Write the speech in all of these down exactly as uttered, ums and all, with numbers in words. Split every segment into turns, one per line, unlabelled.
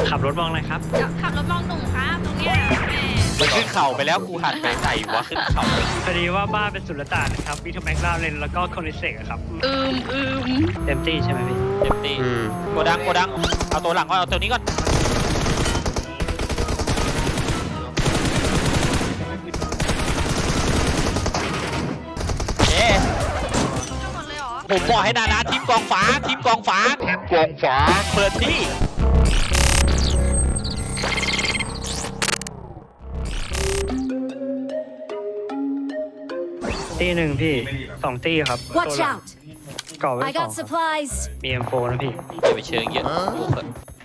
ขับรถมองอะไรครับ
เดี๋ยวขับรถมองหนุ่มครับตรงเนี้ยแม่
มันขึ้นเข่าไปแล้วกูหันไปใส่วะขึ้นเข่า
พอดีว่าบ้านเป็นสุลต่านนะครับวิทแม็กลาเรนแล้วก็คอนดิเซกครับ
อืมอืม
เต็มที่ใช่ไหมพี่
เต็มตีโกดังโกดังเอาตัวหลังก่อนเอาตัวนี้ก่อนเอ๊ะ
ทั้งหมดเลยเหรอ
ผมบอกให้นานาทีมกองฟ้าทีมกองฟ้าทีมกองฟ้าเปิดที่
ตีหนึ่งพี่สองตีครับ
Watch out!
ก่อไว้
I
สอง
got
ครับ
supplies.
มี เอ็ม โฟร์ นะพี่
อย่าไปเชิงเยอะลูกเถอะ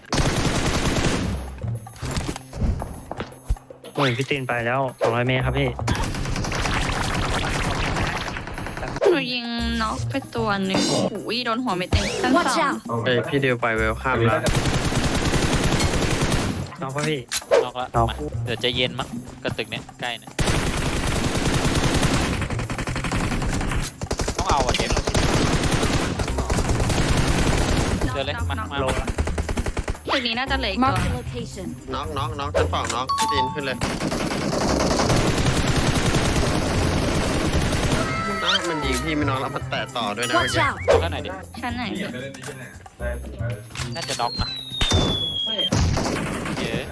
โอ้ยพี่ตีนไปแล้วสองร้อยเมตรครับพี่
หนูยิงน็อกไปตัวหนึ่งอุ้ยโดนหัวไม่เต็มชั้น
Watch
สอง
out!
เอ้ยพี่เดียวไปเวลข้ามแล้ว
น้องพ่อพี่
นอกละ
นอก
มาเดี๋ยวจะเย็นมั้งกระตึกเนี้ยใกล้เนี่ยต้องเอาอ่ะเจมส์เจอเลยมามา
โลละ
ตึกนี้น่าจะเหลืออีกตัว
Mark the location.
น็อกน็อกน็อกชั้นสองน็อกพี่ตีนขึ้นเลยน้องมันยิงพี่ไม่น็อกแล้วมันแตะต่อด้วยนะเมื่อ
Watch
กี้
out!
เอาแค่ไหนดิ
ชั้นไหน
น่าจะน็อกนะเยอะ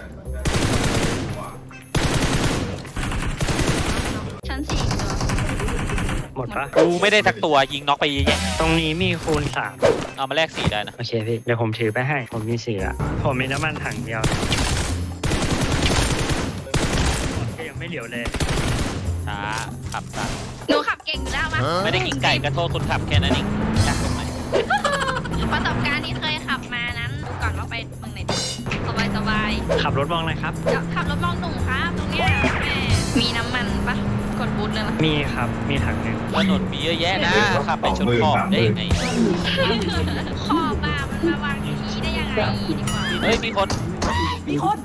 ชั้นสี่อีกตัว
หมดปะ
กูไม่ได้สักตัวยิงน็อกไปเยอะแยะ
ตรงนี้มีคูณสาม
เอามาแลกสีได้นะ
โอเคพี่ เดี๋ยวผมถือไปให้ ผมมีสี่ละผมมีน้ำมันถังเดียวก็ยังไม่เหลียวเลย
ช้าขับซะ
หนูขับเก่งอยู่แล้วมั้ย
ไม่ได้กินไก่กระโทษคนขับแค่นั้นเองยากตรงไหน
ประสบการณ์ที่เคยขับมานั้นก่อนว่าไปเมืองไหนดีสบายสบาย
ขับรถมองอะไรครับ
เดี๋ยวขับรถมองหนุ่มครับตรงเนี้ยแม่มีน้ำมันปะกดบูทเลยนะ
มีครับ มีถังหนึ่ง
ถนนมีเยอะแยะนะขับไปชนขอบได้ยังไง
ขอบบ้ามันมาวางอย่างนี้ได้ยังไงดีกว่า
เฮ้ยมีคน
มีคน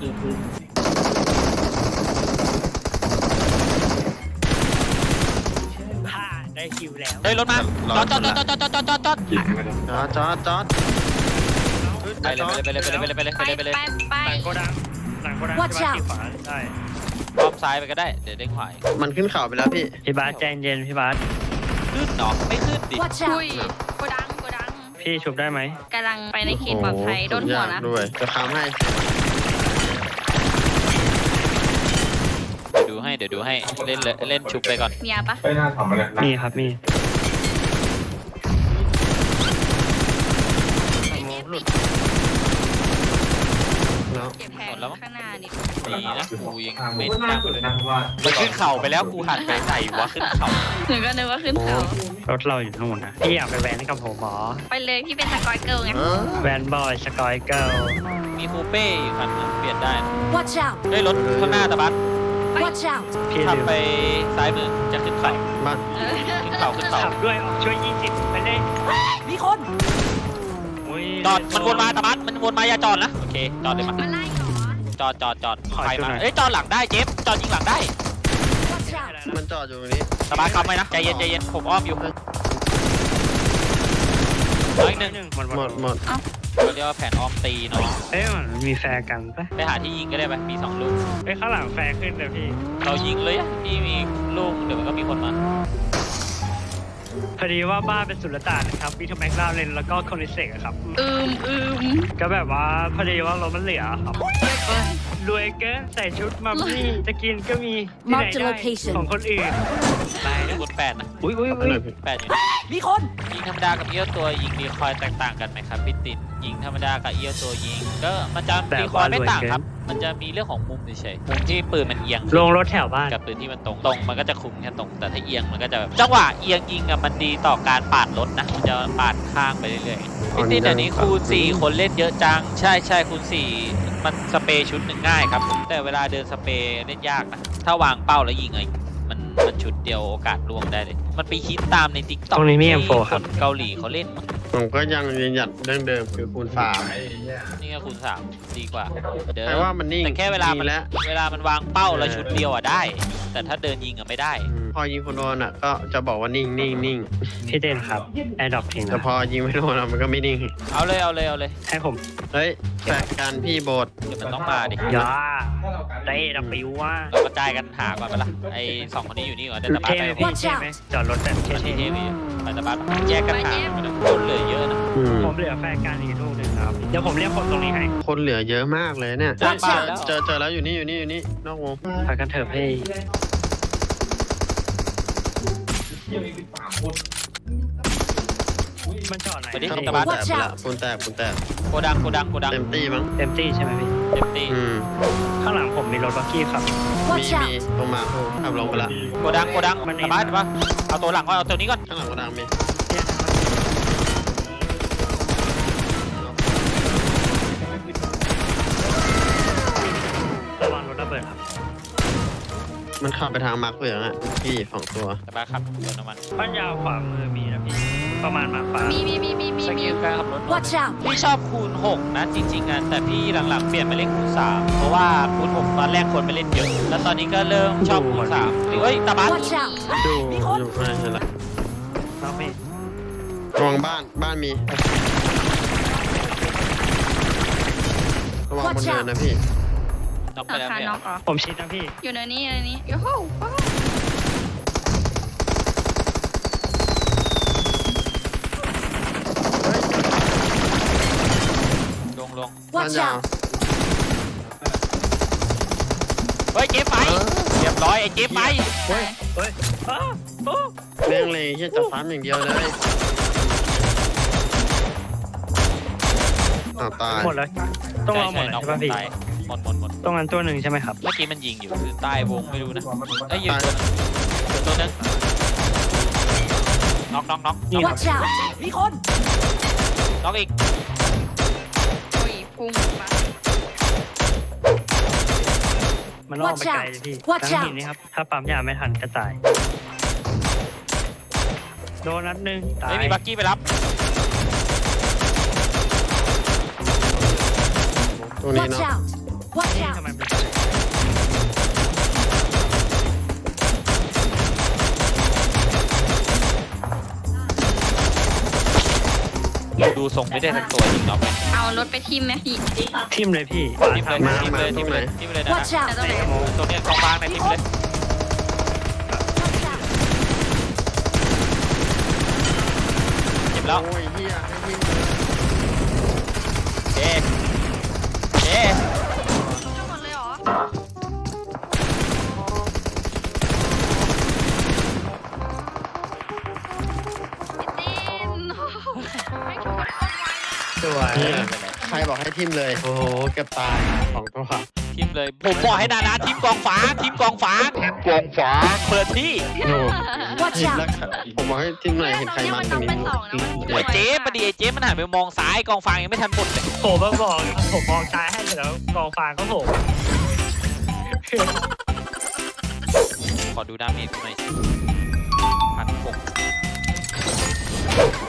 ผ่าได้คิวแล้ว
เฮ้ยรถมาจอดจอดจอดจอดจอดจอดจอดจอด
จอดจอดจอด
ไปเลยไปเลยไปเลยไปเลยไปเลย
ไป
ไปเลยไปเลย
ไปไป
หลังโกดังหลังโกดัง
Watch
ที่บ้าน
out
ที่ขวาได้
อ้อมซ้ายไปก็ได้เดี๋ยวเด้งขวาอีก
มันขึ้นเขาไปแล้วพี่
พี่บาสใจเย็นพี่บาส
ขึ้นเนาะไม่ขึ้นดิ
Watch
อุ้ย
out!
โกดังโกดัง
พี่ชุบได้ไหม
กำลังไปในเขตปลอดภัยโดนหัวนะ
โอ้โหด้วยจะค้ำให้
เดี๋ยวดูให้เดี๋ยวดูให้เล่นเลยเล่นชุบไปก่อน
มียาปะ
ไม่น่าทำอะไร
มีครับมี
แล้ว
เก็บแผงข้างหน้าดิ
ดีนะกูยัง
ทาง
ไม่
ไม่
ตั้
น่าง เลยนะเพราะว่า
มันขึ้นเข่าไปแล้วกูหันไปใส่วะขึ้นเข่า
หนูก็นึกว่าขึ้นเขา
รถเราอยู่ทั้งหมดนะพี่อยากไปแวนกับผมหมอ
ไปเลยพี่เป็นสกอยเกิลไง
แวนบอยสกอยเกิล
มีคูเป้อยู่คันนึงเปลี่ยนได้นะ
Watch out!
เฮ้ยรถข้างหน้าตะบัส
Watch out!
พี่ลื
ขับ
ม
ไปซ้ายมือจะขึ้นเข่า
บ้าน
เออ
ขึ้นเข่าขึ้นเข่า
ขับด้วยออกช่วยยี่สิบไปเลย
มีคน
โอ้ย
จอดมันวนมาตะบัสมันวนมาอย่าจอดนะโอเคจอดเลยมา
มาไล่เหรอ
จอดจอดจอดใครมาเอ้ยจอดหลังได้เจฟจอดยิงหลังได้
Watch out!
มันจอดอยู่ตรงนี้
ตะบัสขับไปนะใจเย็นใจเย็นผมอ้อมอยู่เอาอีกหนึ่ง
หนึ่งหมด
หมดหมด
เขาเรียกว่าแผนอ้อมตีเนาะ
เอ้ยมันมีแฟร์กันปะ
ไปหาที่ยิงก็ได้ไหมมีสองลูก
เอ้ยข้างหลังแฟร์ขึ้นเลยพี่
เรายิงเลยอะพี่มีลูกเดี๋ยวมันก็มีคนมา
พอดีว่าบ้านเป็นสุลต่านนะครับวิทแม็กลาเรนแล้วก็คอนดิเซกครับ
อืมอืม
ก็แบบว่าพอดีว่ารถมันเหลือครับรวยเกินใส่ชุดมัมมี่จะกินก็มีที่ไหน
Mark the
ได้
location
ของคนอื่นไป
มี
นะ
คนแปดนะ
อุ้ยอุ้ย
เอา
อุ้
ห
ย
น่อยพี่
แปดอยู่นะ
มีคน
ยิงธรรมดากับเอี้ยวตัวยิงรีคอยล์แตกต่างกันไหมครับพี่ตินยิงธรรมดากับเอี้ยวตัวยิงก็มันจะรีคอยล์ไม่ต่างครับ มันจะมีเรื่องของมุมเฉยๆมุมที่ปืนมันเอียง
ลงรถแถวบ้าน
กับปืนที่มันตรงตรงมันก็จะคุมแค่ตรงแต่ถ้าเอียงมันก็จะแบบจังหวะเอียงยิงอะมันดีต่อการปาดรถนะมันจะปาดข้างไปเรื่อยๆพี่ตินเดี๋ยวนี้คูณสี่คนเล่นเยอะจังใช่ใช่คูณสี่มันสเปรย์ชุดหนึ่งง่ายครับแต่เวลาเดินสเปรย์เล่นยากนะถ้าวางเป้าแล้วยิงไงมันมันชุดเดียวโอกาสล่วงได้เลยมันไปฮิตตามในติ๊กต็อก
ตรงนี้มี เอ็ม โฟร์ ครับ
เกาหลีเขาเล่นมั้ง
ผมก็ยังยืนหยัดเรื่องเดิมคือคูณสาม
ไอ้เนี่ย
นี่ก็คูณสามดีกว่าเดิ
แต่ว่ามันนิ่ง
แต่แค่เวลามัน
แล้ว
เวลามันวางเป้าแล้วชุดเดียวอะได้แต่ถ้าเดินยิงอะไม่ได้
อืมพอยิงคนโดนอ่ะ ก็จะบอกว่านิ่งนิ่งนิ่ง
พี่เต้นครับแอร์ดรอปทิ้ง
แต่
นะ
พอยิงไม่โดนอะมันก็ไม่นิ่ง
เอาเลยเอาเลยเอาเลย
ให้ผม
เฮ้ยแฟกกันพี่โบด
เดี๋ยวมันต้องมาดิ
ยาเต้ดับปิวว่า
เรากระจายกันหาก่อนไปละไอ้สองคนนี้อยู่นี่ก่อนเดินตะบา
เท่
ไป
ไหม
พี่
พี่เท่ไหมจอดรถแบบ
มัน
เท่
เท่พี่ไปตะบาแยกกันหาคนเหลือเยอะนะ
อืม
ๆผมเหลือแฟนการอีกลูกหนึ่งครับเดี๋ยวผมเรียกคนตรงนี้ให้
คนเหลือเยอะมากเลยเนี่ย
เจอบ้านแล้ว
เจอเจอแล้วอยู่นี่อยู่นี่อยู่นี่นอกวง
พากันเถอะพี่มันจอดไหน
ไปดิ
ข้าง
ตะ
บ
บาน
นแตกไปละปูนแตกปูนแตก
โกดังโกดังโกดัง
เต็มตี้มั้ง
เต็มที่ใช่ไหมพี่
เต็มที่
อืม
ข้างหลังผมมีรถบักกี้ครับ
มี
Watch
มี
out!
ตรงมาเขาขับลงไปละ
โกดังโกดัง
มันเอง
ตะบาตะบาเอาตัวหลังก่อนเอาตัวนี้ก่อน
ข้างหลังกระดังมี
เนี่ยระวังรถระเบิดครับ
มันขับไปทางมาร์คเหลืองอ่ะพี่สองตัว
ตะบาครับเดินน้ำมัน
บ้านยาวขวามือมีนะพี่ ประมาณมาฟ้า
มีมีมีมีมี
ส
มี
กิลการขับรถ
Watch out!
พี่ชอบคูณหกนะจริงๆอ่ะแต่พี่หลังๆเปลี่ยนมาเล่นคูณสามเพราะว่าคูณหกตอนแรกคนไปเล่นเยอะ แล้วตอนนี้ก็เริ่มชอบคูณสามเฮ้ยตะบา
Watch out!
ดูอยู่ไม่ใช่ละ
น้องพี่
ระวังบ้านบ้านมีระวังบนเนินนะพี่
น็อกไป
รา
แล้ว
คา
เนี่ย
น็อกเหรอ
ผมชิดนะพี่
อยู่ในนี้ในนี้โอ้โหโอ้โห
ลงลง
บ้าน
Watch
ยาว
out!
เฮ้ยเจ๊ไปเรียบร้อยไอ้เจ๊ไป
เฮ้ย เฮ้ยอ้าวโอ้
เรื่องเลยที่จะซ้ำอย่างเดียวเลยอ้าวตาย
หมดแล้วต้องเอาหมด
ใช่
เลย
ใช่
ใช่ป่ะพี่
ตายหมดหมดหมด
ต้องงั้นตัวหนึ่งใช่ไหมครับ
เมื่อกี้มันยิงอยู่คือใต้วงไม่รู้นะเอ้ยยิงตัวนึงเดี๋ยวตัวนึงน็อกน็อกน็อก
นี่ครับ
Watch out! มีคน
น็อกอีก
โอ้ยพุ่งมา
มันล่อไปไกลเลยพี่
Watch
ทั้ง
out
หินนี่ครับ ถ้าปั๊มยาไม่ทันก็ตาย โดนนัดหนึ่งตาย
ไม่มีบักกี้ไปรับ
ตรงนี้
Watch
เนาะ
out! Watch
นี่
out!
ทำไมเป็น
ดูทรงไม่ได้ทั้งตัวจริงน็อกไหม
เอารถไปทิมไหมพี่
ทิมเลยพี่
ทิมเลย
มา
ทิมเลย
มา
ทิมเลย
ตรงไหน
ทิมเลยนะ
Watch
แต่
out!
ต้องไหน
ตรงเนี้ยกองฟางในทิมเลย
Watch out!
เจ็บแล้ว
โอ้ยเฮียให้วิ่ง
เจ๊เจ๊
ทั้งหมดเลยเหรอพี่ตินไม่ชวนคนไว้อะ
สวย
เฮียใครบอกให้ทิมเลย โอ้โหเกือบตายสองตัว
ทิมเลยผมบอกให้นานาทิมกองฟ้าทิมกองฟ้าทิมกองฟ้าเปิดที่
โอ้
Watch
ทิม
out!
แล้วผมบอกให้ทิมหน่อยเห็นใครมาตรงนี้
มันต้องเป็นสองนะ
ไอ้เจ๊พอดีไอ้เจ๊มันหันไปมองซ้ายกองฟางยังไม่ทันหมดเลย
ผมมาบอกครับผมมองซ้ายให้เสร็จแล้วกองฟางก็โผล่
ขอดูดาเมจหน่อยสิพันหก